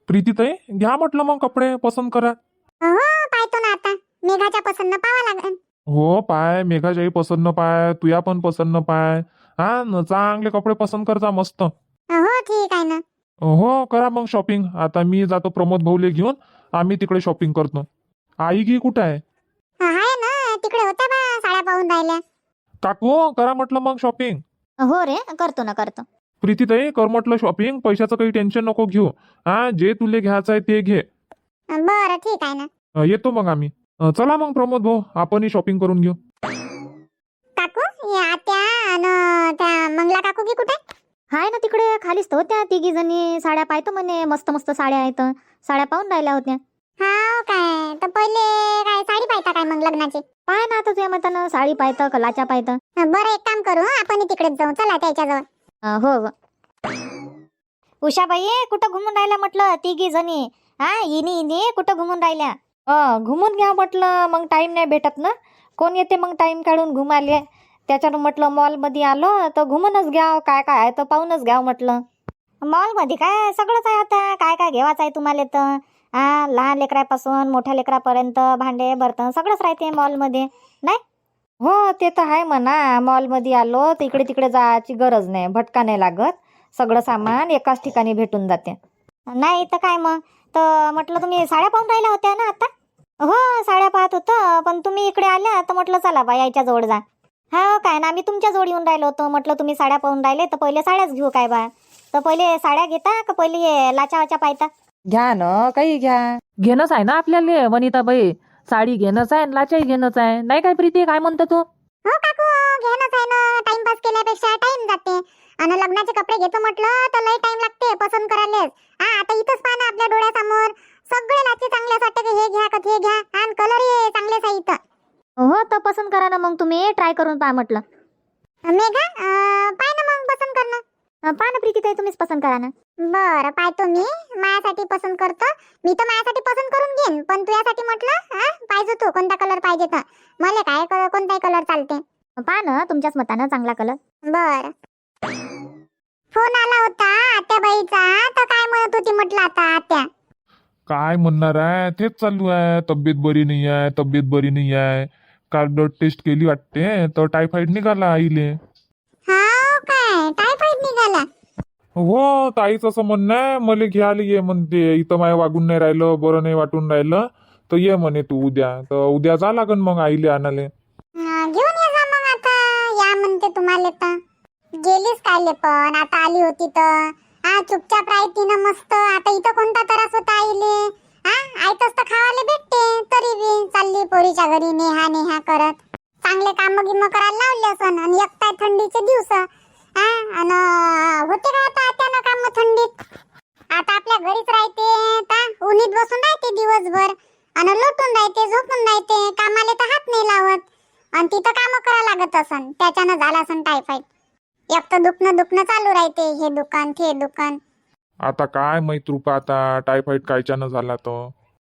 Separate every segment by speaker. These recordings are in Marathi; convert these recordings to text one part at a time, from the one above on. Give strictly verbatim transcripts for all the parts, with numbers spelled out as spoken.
Speaker 1: प्रीतीताई घ्या म्हटलं मग कपडे पसंत करा.
Speaker 2: हो पाहतो ना आता. मेघाच्या पसंत पाहावं लागेल.
Speaker 1: हो पाय, मेघाच्याही पसंत न पाय, तुया पण पसंत न पाय. हा न चांगले कपडे पसंत करता मस्त.
Speaker 2: हो ठीक आहे ना.
Speaker 1: हो करा मग शॉपिंग. आता मी जातो प्रमोद भाऊले घेऊन, आम्ही तिकडे शॉपिंग करतो. आई गी कुठं आहे?
Speaker 2: आहे ना तिकडे होत्या बा साड्या पाहून राहिल्या.
Speaker 1: काकू करा म्हटलं मग शॉपिंग.
Speaker 2: हो रे करतो ना करतो.
Speaker 1: प्रीतीताई कर म्हटलं शॉपिंग, पैशाचं काही टेन्शन नको घेऊ. हा जे तुले घ्यायचं आहे ते घे.
Speaker 2: बरं ठीक आहे ना.
Speaker 1: अ, येतो मग आम्ही. अ, चला मग प्रमोद भाऊ आपणही शॉपिंग करून घेऊ.
Speaker 2: काकू या आत्या आणि त्या मंगला काकू की कुठे? हाय ना तिकडे खालीच तर होत्या तिघी जणी. साड्या पाहतो म्हणे, मस्त मस्त साड्या आहेत. साड्या पाहून राहिल्या होत्या. हा काय तर पहिले काय साडी पाहता काय मग लग्नाची? पाय ना आता तुझ्या मतानं साडी पाहतं कलाच्या पाहतं. बरं एक काम करू आपण तिकडेच जाऊ. चला त्याच्याजवळ. हो हो. उषाबाई कुठं घुमून राहिल्या म्हटलं तिघी जणी? हा इनी इनी कुठं घुमून राहिल्या?
Speaker 3: अ घुमून घ्या म्हटलं, मग टाइम नाही भेटत ना. कोण येते मग टाइम काढून घुमाले. त्याच्यानं म्हटलं मॉलमध्ये आलो तर घुमूनच घ्याव, काय काय आहे तर पाहूनच घ्याव म्हटलं.
Speaker 2: मॉल मध्ये काय सगळंच आहे आता. काय काय घेवायचं आहे तुम्हाला तर? हा लहान लेकरापासून मोठ्या लेकरापर्यंत भांडे बर्तन सगळंच राहते मॉल मध्ये नाही?
Speaker 3: हो ते तर आहे म्हणा. मॉलमध्ये आलो तर इकडे तिकडे जायची गरज नाही, भटका नाही लागत. सगळं सामान एकाच ठिकाणी भेटून जाते.
Speaker 2: नाही तर काय मग. तर म्हटलं तुम्ही साड्या पाहून राहिल्या होत्या ना आता? हो साड्या पाहत होतो, पण तुम्ही इकडे आल्या तर म्हटलं चला बा यायच्या जवळ जा. हा काय ना आम्ही तुमच्या जवळ येऊन राहिलो होतो. म्हटलं तुम्ही साड्या पाहून राहिले तर पहिले साड्याच घेऊ काय बा. तर पहिले साड्या घेता का पहिले हे लाचा वाचा पाहता?
Speaker 3: घ्या ना काही घ्या. घेणंच आहे ना आपल्याला वनिताबाई. साडी घेणंच आहे, लाचाही घेणंच आहे. नाही काय प्रीती, काय म्हणतो तू?
Speaker 2: हो काकू घेणंच आहे ना. टाइमपास केल्यापेक्षा टाइम जाते. आणि लग्नाचे कपडे घेतो म्हटलं तर लय टाइम लागते पसंत करायला. हा आता इथंच पहा ना आपल्या डोळ्यासमोर सगळे लाचे चांगले असतात की हे घ्या का ते घ्या. आणि कलरही चांगलेच आहे इथं. हो तर पसंत करा ना मग तुम्ही. ट्राय करून पहा म्हटलं. मेघा पाय ना मग पसंत कर ना. पहा ना प्रीती ताई तुम्हीच पसंत करा ना. बरं पाहतो मी. माझ्यासाठी पसंत करतो. मी तर माझ्यासाठी पसंत करून घेईन, पण तुझ्यासाठी म्हटलं हा पाहिजे तू कोणता कलर पाहिजे तर. मला काय क- कोणताही कलर चालते. पहा ना तुमच्याच मतानं चांगला कलर. बर. फोन आला होता आत्याबाईचा, तर काय म्हणत होती म्हटलं आता आत्या?
Speaker 1: काय म्हणणार आहे, तेच चालू आहे. तब्येत बरी नाही आहे, तब्येत बरी नाही आहे. काल ब्लड टेस्ट केली वाटते तर टायफॉइड निघाला आईले.
Speaker 2: हा काय टायफॉइड निघाला?
Speaker 1: हो ताईच असं म्हणणं आहे, मला घ्यायला ये म्हणते. इथं माय वागून नाही राहिलं, बरं नाही वाटून राहिलं तर ये म्हणे तू उद्या. तर उद्या जा लागन मग आईले आणाले.
Speaker 2: हा, घेऊन ये जा मग आता. या म्हणते तुम्हाला तर. गेलीच कायले पण आता आली होती तर. हा चुपचाप राहती ना मस्त. आता इथं कोणता त्रास होता आईले? हा आयतच तर खावाले भेटते. तरी बी चालली पोरीच्या घरी नेहा नेहा करत. चांगले काम गिम करायला लावले असन. आणि एकटाय थंडीचे दिवस. हा आणि होते का आता त्यानं काम थंडीत? आता आपल्या घरीच राहते ता उन्हीत बसून राहते दिवसभर. आणि लोटून राहते झोपून राहते. कामाले तर हात नाही लावत. आणि तिथं काम करा लागत असन. त्याच्यानं झाला असन टायफॉइड. एक तर दुखणं दुखणं चालू राहते. हे दुकान ते दुकान.
Speaker 1: आता काय माहित रुपा, आता टायफॉइड कायच्यानं झाला तर.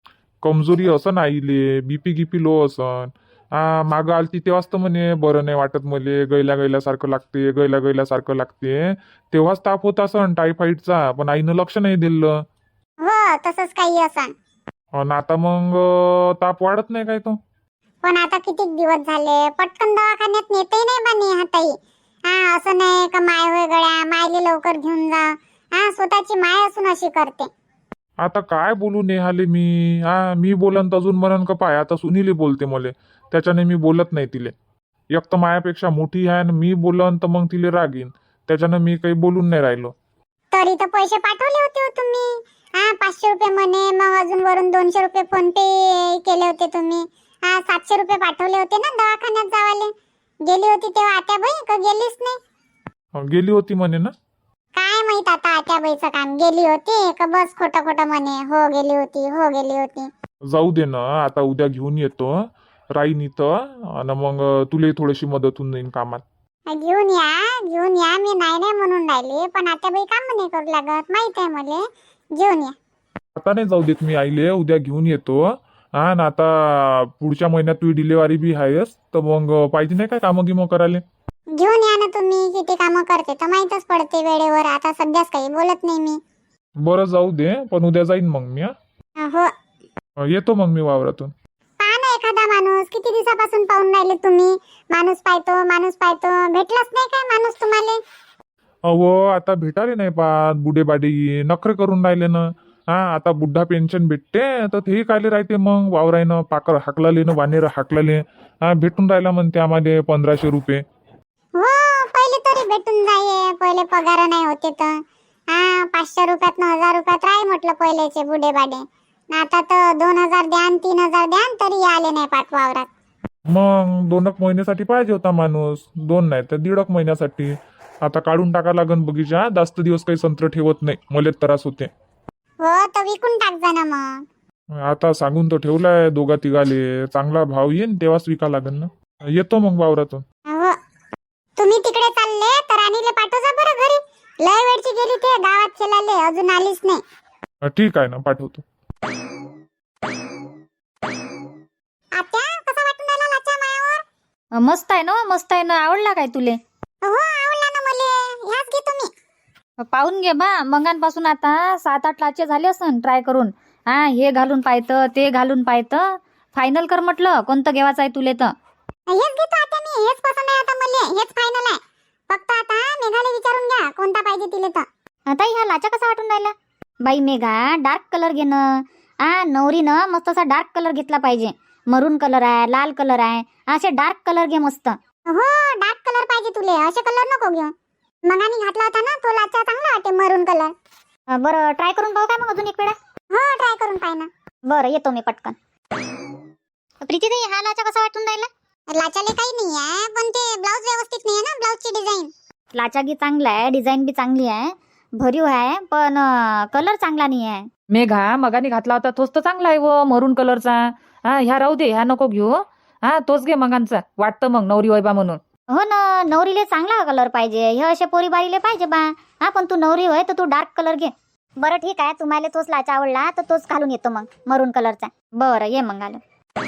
Speaker 1: कमजोरी असन आईले, बीपी गिपी लो असन. हा मागं आलती तेव्हाच तर म्हणे बरं नाही वाटत मले, गैल्या गैल्यासारखं लागते, गैल्या गैल्यासारखं लागते. तेव्हाच ताप होत असन टायफॉइडचा, पण आईनं लक्ष नाही दिलं.
Speaker 2: हो तसंच काही असन.
Speaker 1: आणि आता मग अं, ताप वाढत नाही काय तो.
Speaker 2: पण आता किती दिवस झाले पटकन दवाखान्यात नेतही नाही बा नेहा ताई. हा असं नाही का माय होय गड्या मायले लवकर घेऊन जा. हा स्वतःची माय असून अशी करते.
Speaker 1: आता काय बोलू नेहाले मी. हा मी बोलन तर अजून म्हणन का पाय आता सुनीले बोलते मले, त्याच्याने मी बोलत नाही तिले. एक तर मायापेक्षा मोठी आहे आणि मी बोलन तर मग तिले राग येईन. त्याच्यानं मी काही बोलून नाही राहिलो.
Speaker 2: तरी तर पैसे पाठवले होते हो तुम्ही. हा पाचशे रुपये म्हणे, मग अजून वरून दोनशे रुपये फोन पे केले होते तुम्ही. हा सातशे रुपये पाठवले होते ना दवाखान्यात जावाले. गेली होती तेव्हा आत्याबाई का गेलीच नाही?
Speaker 1: अं, गेली होती म्हणे ना.
Speaker 2: काय माहित आता आत्याबाईचं काम. गेली होती का बस खोटं खोटं म्हणे हो गेली होती हो गेली होती.
Speaker 1: जाऊ दे ना, आता उद्या घेऊन येतो राईन इथं. आणि मग तुला थोडीशी मदत होऊन जाईन कामात.
Speaker 2: घेऊन या घेऊन या. मी नाही नाही म्हणून राहिली, पण आत्याबाई काम नाही करू लागत माहित आहे मला. घेऊन या.
Speaker 1: आता नाही जाऊ देत मी आईले, उद्या घेऊन येतो. हा ना आता पुढच्या महिन्यात तुझी डिलेवरी बी आहेस, तर मग पाहिजे नाही काय कामं गिमं करायला.
Speaker 2: घेऊन या ना तुम्ही. किती कामं करते तर माहीतच पडते वेळेवर. आता सध्याच काही बोलत नाही मी.
Speaker 1: बरं जाऊ दे, पण उद्या जाईन मग मी. हा
Speaker 2: हो
Speaker 1: अं, येतो मग मी वावरातून.
Speaker 2: पहा ना एखादा माणूस, किती दिवसापासून पाहून राहिले तुम्ही. माणूस पाहतो माणूस पाहतो, भेटलाच नाही काय माणूस तुम्हाला?
Speaker 1: अहो आता भेटाले नाही पाहत, बुढे बाडी नखरे करून राहिले ना. हा आता बुड्ढा पेन्शन भेटते तर तेही कायले राहते मग वावरायनं पाकर हाकलाले ना वानेर हाकलाले. हा भेटून राहिला म्हणते आम्हाला पंधराशे रुपये.
Speaker 2: हो पहिले तरी भेटून जाये, पहिले पगार नाही होते तर. हा पाचशे रुपयात न हजार रुपयात राही म्हटलं पहिलेचे बुढे बाडे. आता तर दोन हजार द्यान तीन हजार द्यान तरी आले नाही पाठ वावरात.
Speaker 1: मग दोन एक महिन्यासाठी पाहिजे होता माणूस, दोन नाही तर दीड एक महिन्यासाठी. आता काढून टाका लागन बगीचा, जास्त दिवस काही संत्र ठेवत नाही, मला त्रास होते.
Speaker 2: हो तर विकून टाक जा ना मग.
Speaker 1: आता सांगून तो ठेवलाय दोघा तिघाले, चांगला भाव येईन तेव्हाच विका लागन ना. येतो मग वावरातून.
Speaker 2: हो तुम्ही तिकडे चालले तर राणीले पाठव जा बरं घरी. लय वेळची गेली ते गावात खेळाले, अजून आलीच नाही.
Speaker 1: अं, ठीक आहे ना, पाठवतो.
Speaker 2: आत्या कसा वाटून राहिला लाचा मायावर?
Speaker 3: अ, मस्त आहे ना, मस्त आहे ना. आवडला काय तुले?
Speaker 2: हो आवडला ना मले. ह्याच घे तुम्ही.
Speaker 3: पाहून घे बा, मंगांपासून आता सात आठ लाचे झाले असन ट्राय करून. हा हे घालून पाहतं ते घालून पाहतं, फायनल कर म्हटलं कोणतं घेवायचं आहे तुले तर.
Speaker 2: हेच घेतो आता मी, हेच पसंत आहे आता मले, हेच फायनल आहे. फक्त आता मेघाला विचारून घ्या कोणता पाहिजे तिले तर.
Speaker 3: आता ह्या लाचा कसा वाटून राहिला? बाई मेघा डार्क कलर घे ना. हा नवरीनं मस्त असा डार्क कलर घेतला पाहिजे. मरून कलर आहे, लाल कलर आहे, असे डार्क कलर घे मस्त.
Speaker 2: हो डार्क कलर पाहिजे तुले, असे कलर नको घेऊ. मगानी घातला होता ना तो लाचा चांगला वाटे मरून कलर.
Speaker 3: अ, बरं ट्राय करून पाहू काय मग अजून एक वेळा?
Speaker 2: हो ट्राय करून पाय ना.
Speaker 3: बरं येतो मी पटकन. प्रीतीताई हा लाचा कसा वाटून राहिला?
Speaker 2: लाचाले काही नाही आहे, पण ते ब्लाऊज व्यवस्थित नाही आहे ना, ब्लाऊजची डिझाईन.
Speaker 3: लाचा बी चांगला आहे, डिझाईन बी चांगली आहे, भरीव आहे, पण कलर चांगला नाही आहे.
Speaker 4: मेघा मगाने घातला होता तोच तर चांगला आहे व मरून कलरचा. हा ह्या राहू दे, ह्या नको घेऊ. हा तोच घे मगांचा, वाटतं मग नवरी वैबा म्हणून.
Speaker 3: हो ना, नवरीले चांगला कलर पाहिजे, हे असे पोरी बारीले पाहिजे बा. हा पण तू नवरी होय तर तू डार्क कलर घे. बरं ठीक आहे, तुम्हाला तोच लाचा आवडला तर तोच घालून येतो मग, मरून कलरचा. बरं ये मग घालून.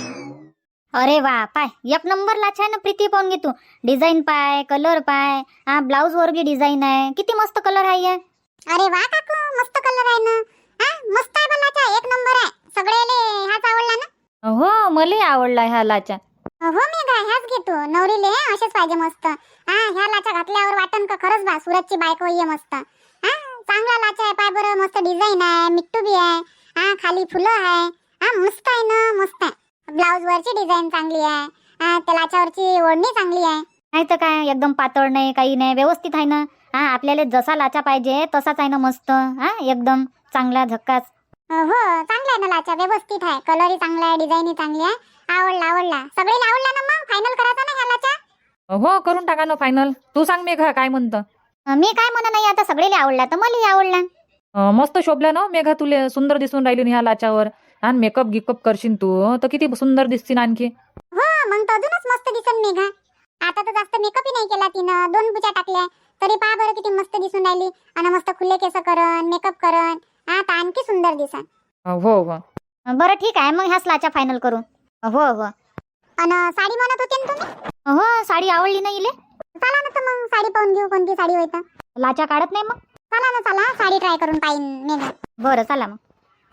Speaker 3: अरे वा पाय, एक नंबर लाचा आहे ना प्रीती, पाहून घे तू. डिझाईन पाय, कलर पाय, हा ब्लाऊज वर बी डिझाईन आहे, किती मस्त कलर आहे.
Speaker 2: अरे वा काकू मस्त कलर आहे ना. हा मस्त आहे लाचा, एक नंबर आहे. सगळेले हाच आवडला ना?
Speaker 3: हो मला आवडला ह्या लाचा.
Speaker 2: हो मी गा ह्याच घेतो, नवरीले असेच पाहिजे मस्त. हा ह्या लाचा घातल्यावर वाटन का खरंच बा सुरतची बायको ये मस्त. हा चांगला लाचा आहे, पाय बरं मस्त डिझाईन आहे, मिट्टू बी आहे. हा खाली फुलं आहे. हा मस्त आहे ना, मस्त आहे. ब्लाऊज वरची डिझाईन चांगली आहे. हा त्या लाच्यावरची ओढणी चांगली आहे.
Speaker 3: नाही तर काय, एकदम पातळ नाही काही नाही, व्यवस्थित आहे ना. हा आपल्याला जसा लाचा पाहिजे तसाच आहे ना मस्त. हा एकदम चांगला झक्कास.
Speaker 2: हो चांगला आहे ना लाचा, व्यवस्थित आहे. कलरही चांगला आहे, डिझाईनही चांगली आहे. आवडला आवडला, सगळेला आवडला ना. मग फायनल करायचा ना ह्या लाचा?
Speaker 4: हो करून टाका ना फायनल. तू सांग मेघा काय म्हणतं.
Speaker 3: मी काय म्हणा नाही, आता सगळेले आवडला तर मलाही आवडला.
Speaker 4: अं, मस्त शोभला ना मेघा, तुले सुंदर दिसून राहिली ना ह्या लाच्यावर. आणि मेकअप गिकअप करशील तू तर किती सुंदर दिसतील आणखी.
Speaker 2: हो मग तर अजूनच मस्त दिसन मेघा. आता तर जास्त मेकअपही नाही केला तिनं, दोन पुच्या टाकल्या तरी पहा बरं किती मस्त दिसून राहिली. आणि मस्त खुले केस करन, मेकअप करन, आता आणखी सुंदर दिसन.
Speaker 4: अं, हो हो
Speaker 3: बरं ठीक आहे, मग ह्याच लाचा फायनल करू. हो हो.
Speaker 2: आणि साडी म्हणत होते ना तुम्ही?
Speaker 3: हो साडी आवडली नाही इले.
Speaker 2: चला ना तर मग साडी पाहून घेऊ, कोणती साडी होईल तर.
Speaker 3: लाचा काढत नाही मग.
Speaker 2: चला ना चला, साडी ट्राय करून पाहिन मेघा.
Speaker 3: बरं चला मग.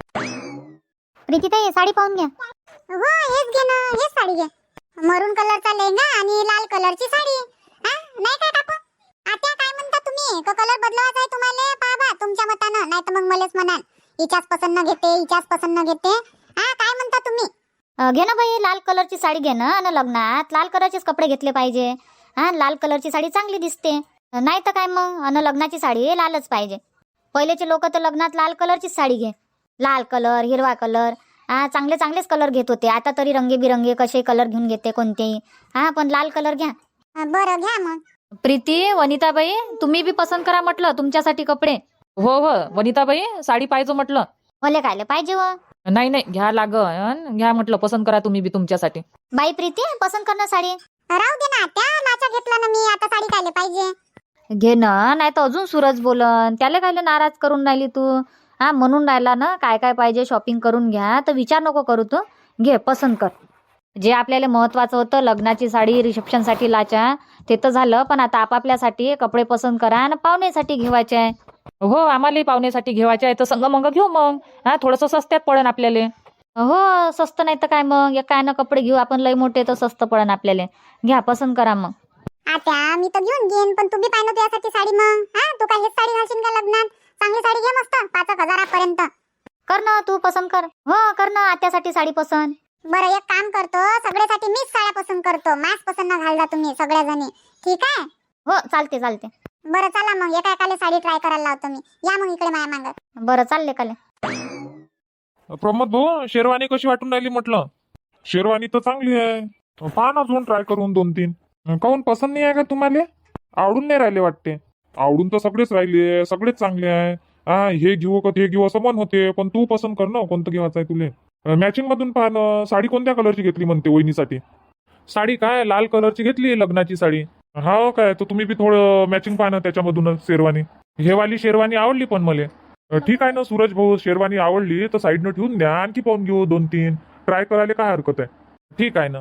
Speaker 3: प्रीतीताई साडी पाहून घ्या.
Speaker 2: हो हेच घे ना, हेच साडी घे. मरून कलरचा लेहंगा आणि लाल कलरची साडी. हा नाही काय टाकू? आता काय म्हणता तुम्ही? तो कलर बदलावायचा आहे तुम्हाला? पहा बा तुमच्या मतानं, नाही तर मग मलाच म्हणाल हिच्याच पसंत न घेते, हिच्याच पसंत न घेते. हा काय म्हणता तुम्ही?
Speaker 3: अं, घे ना बाई, लाल कलरची साडी घे ना. आणि लग्नात लाल कलरचेच कपडे घेतले पाहिजे. हा लाल कलरची साडी चांगली दिसते, नाही तर काय मग. आणि लग्नाची साडी लालच पाहिजे. पहिलेचे लोक तर लग्नात लाल कलरचीच साडी घे. लाल कलर, हिरवा कलर, हा चांगले चांगलेच कलर घेत होते. आता तरी रंगीबिरंगी कसे कलर घेऊन घेते कोणतेही. हा पण लाल कलर घ्या.
Speaker 2: बरं घ्या मग.
Speaker 4: प्रीती वनिताबाई तुम्ही बी पसंत करा म्हटलं तुमच्यासाठी कपडे. हो हो वनिताबाई साडी पाहिजे म्हटलं.
Speaker 3: भले कायले पाहिजे व.
Speaker 4: नाही नाही घ्या लागन, घ्या म्हटलं पसंत करा तुम्ही बी तुमच्यासाठी.
Speaker 3: बाई प्रीती पसंत कर ना साडी.
Speaker 2: राहू दे ना त्या लाचा घेतला ना मी, आता साडी कायले पाहिजे?
Speaker 3: घे ना, नाही तर अजून सूरज बोलन, त्याला कायले नाराज करून राहिली तू. हा म्हणून राहिला ना काय काय पाहिजे शॉपिंग करून घ्या, तर विचार नको करू तू. घे पसंत कर. जे आपल्याला महत्वाचं होतं लग्नाची साडी, रिसेप्शनसाठी लाचा, ते तर झालं. पण आता आपापल्यासाठी कपडे पसंत करा आणि पाहुण्यासाठी घेवायचे आहे.
Speaker 4: हो आम्हालाही पाहुण्यासाठी घेवायचे आहे तर संग मंग घेऊ मग. हा थोडंसं स्वस्त्यात पडेन आपल्याला.
Speaker 3: हो स्वस्त नाही तर काय मग एकानं कपडे घेऊ आपण लय मोठे तर स्वस्त पडन आपल्याला. घ्या पसंत करा मग.
Speaker 2: आता मी तर घेऊन घेईन, पण तू बी पाहिजे त्यासाठी साडी मग. हा तू काय हेच साडी घालशील का लग्नात? चांगली साडी घे मस्त पाच एक हजारापर्यंत.
Speaker 3: कर ना तू पसंत कर. हो कर ना आत्यासाठी साडी पसंत.
Speaker 2: बरं एक काम करतो, सगळ्यासाठी मीच साड्या पसंत करतो. मास्क पसंत न घालजा तुम्ही सगळ्या जणी, ठीक आहे?
Speaker 3: हो चालते चालते.
Speaker 2: बरं चला मग एका एकाला साडी ट्राय करायला लावतो मी. या मग इकडे माया मागं.
Speaker 3: बरं चालले काले.
Speaker 1: प्रमोद भाऊ शेरवानी कशी वाटून राहिली म्हटलं? शेरवानी तर चांगली आहे, पहा ना अजून ट्राय करून दोन तीन. काहून पसंत नाही आहे का तुम्हाला? आवडून नाही राहिले वाटते? आवडून तर सगळेच राहिले, सगळेच चांगले आहे. हा हे घेऊ का ते घेऊ असं मन होते, पण तू पसंत कर ना कोणतं घेवायचं आहे तुले. मॅचिंग मधून पहा ना. साडी कोणत्या कलरची घेतली म्हणते वहिनीसाठी? साडी काय लाल कलरची घेतली लग्नाची साडी. हा काय तर तुम्ही बी थोडं मॅचिंग पहा ना त्याच्यामधूनच शेरवानी. हे वाली शेरवानी आवडली पण मला. ठीक आहे ना सूरज भाऊ, शेरवानी आवडली तर साईडनं ठेवून द्या, आणखी पाहून घेऊ दोन तीन. ट्राय करायला काय हरकत आहे? ठीक आहे ना.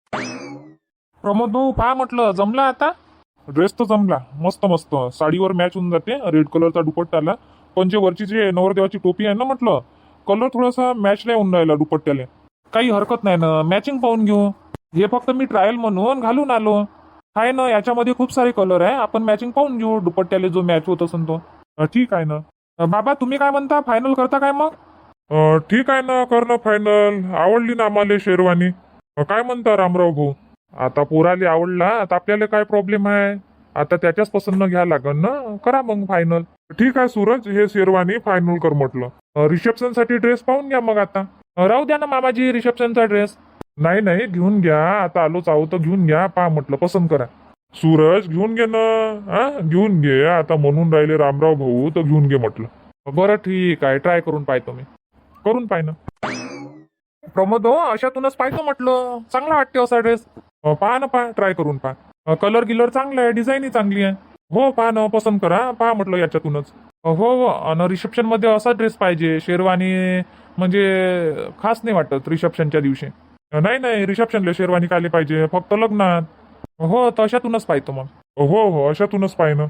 Speaker 1: प्रमोद भाऊ पहा म्हटलं जमला आता. ड्रेस तर जमला मस्त मस्त, साडीवर मॅच होऊन जाते. रेड कलरचा दुपट्टाला पण जे वरची जे नवरदेवाची टोपी आहे ना म्हटलं, कलर थोडासा मॅच नाही होऊन राहिला दुपट्ट्याला. काही हरकत नाही ना, मॅचिंग पाहून घेऊ. हे फक्त मी ट्रायल म्हणून घालून आलो आहे ना. याच्यामध्ये खूप सारे कलर आहे, आपण मॅचिंग पाहून घेऊ दुपट्ट्याला जो मॅच होत असेल तो. ठीक आहे ना. बाबा तुम्ही काय म्हणता, फायनल करता काय मग? ठीक आहे ना, कर ना फायनल. आवडली ना आम्हाला शेरवानी. काय म्हणता रामराव भाऊ? आता पोराले आवडला आता आपल्याला काय प्रॉब्लेम आहे? आता त्याच्याच पसंत घ्या लागन ना. करा मग फायनल. ठीक आहे सूरज, हे शेरवानी फायनल कर म्हटलं. रिसेप्शन साठी ड्रेस पाहून घ्या मग आता. राहू द्या ना मामाजी रिसेप्शनचा ड्रेस. नाही नाही घेऊन घ्या, आता आलोच आहो तर घेऊन घ्या. पहा म्हटलं पसंत करा. सूरज घेऊन घे ना. हा घेऊन घे, आता म्हणून राहिले रामराव भाऊ तर घेऊन घे म्हटलं. बरं ठीक आहे, ट्राय करून पाहतो मी. करून पाय ना प्रमोद हो, अशातूनच पाहतो म्हटलं. चांगला वाटते असा ड्रेस. पहा ना, पहा ट्राय करून पहा. कलर गिलर चांगला आहे, डिझाईनही चांगली आहे. हो पहा ना, पसंत करा. पहा म्हटलं याच्यातूनच. हो हो, आणि रिसेप्शन मध्ये असा ड्रेस पाहिजे. शेरवानी म्हणजे खास नाही वाटत रिसेप्शनच्या दिवशी. नाही नाही, रिसेप्शनला शेरवानी काले पाहिजे, फक्त लग्नात. हो तर अशातूनच पाहतो मग. हो हो अशातूनच पाहि ना.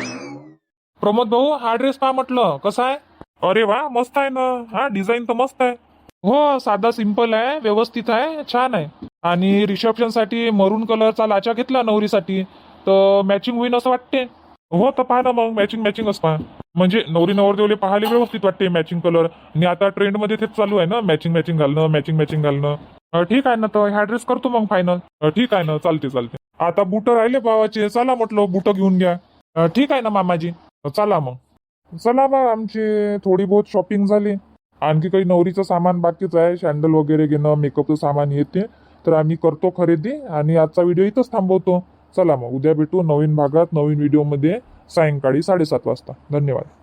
Speaker 1: प्रमोद भाऊ हा ड्रेस पहा म्हटलं कसा आहे. अरे वा मस्त आहे ना. हा डिझाईन तर मस्त आहे. हो साधा सिंपल आहे, व्यवस्थित आहे, छान आहे. आणि रिसेप्शन साठी मरून कलरचा लाचा घेतला नवरीसाठी तर मॅचिंग होईन असं वाटते. हो तर पहा ना मग, मॅचिंग मॅचिंगच पहा. म्हणजे नवरी नवरदेवले पाहायला व्यवस्थित वाटते मॅचिंग कलर. आणि आता ट्रेंड मध्ये तेच चालू आहे ना, मॅचिंग मॅचिंग घालणं, मॅचिंग मॅचिंग घालणं. ठीक आहे ना, तर ह्या ड्रेस करतो मग फायनल. ठीक आहे ना, चालते चालते. आता बुट राहिले भावाचे, चला म्हटलं बुट घेऊन घ्या. ठीक आहे ना मामाजी, चला मग. चला बा, आमची थोडी बहुत शॉपिंग झाली. आणखी काही नवरीचं सामान बाकीच आहे, सॅन्डल वगैरे घेणं, मेकअपचं सामान येते. तर आम्ही करतो खरेदी आणि आजचा व्हिडिओ इथंच थांबवतो. चला मग उद्या भेटू नवीन भागात नवीन व्हिडिओमध्ये सायंकाळी साडेसात वाजता. धन्यवाद.